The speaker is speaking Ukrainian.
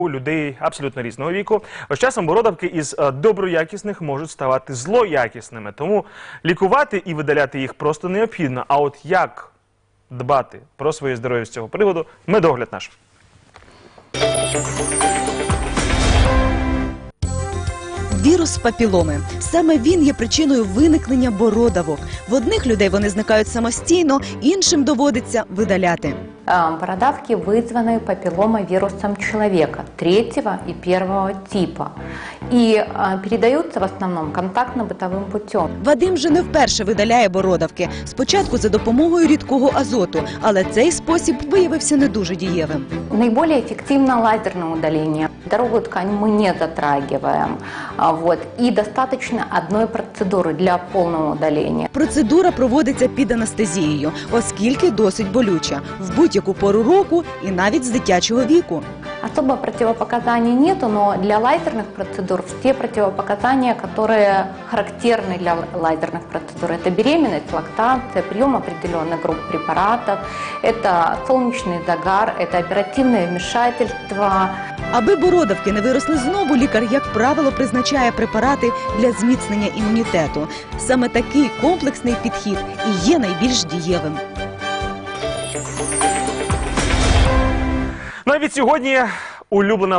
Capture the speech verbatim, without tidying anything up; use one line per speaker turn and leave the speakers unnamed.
У людей абсолютно різного віку. З часом бородавки із доброякісних можуть ставати злоякісними. Тому лікувати і видаляти їх просто необхідно. А от як дбати про своє здоров'я з цього приводу – медогляд наш.
Вірус папіломи. Саме він є причиною виникнення бородавок. В одних людей вони зникають самостійно, іншим доводиться видаляти.
Бородавки вызваны папилломавирусом человека третьего и первого типа и передаются в основном контактно-бытовым путем.
Вадим вже не вперше видаляє бородавки. Спочатку за допомогою рідкого азоту, але цей спосіб виявився не дуже дієвим.
Наиболее эффективно лазерное удаление. Здоровую ткань мы не затрагиваем. Вот. И достаточно одной процедуры для полного удаления.
Процедура проводиться під анестезією, оскільки досить болюча. В будь-яку пору року і навіть з дитячого віку.
Особо противопоказаний нету, но для лазерных процедур все противопоказания, которые характерны для лазерных процедур, это беременность, лактация, прием определенных групп препаратов, это солнечный загар, это оперативное вмешательство.
Аби бородавки не виросли знову, лікар, як правило, призначає препарати для зміцнення імунітету. Саме такий комплексний підхід і є найбільш дієвим.
Ну а від сьогодні улюблена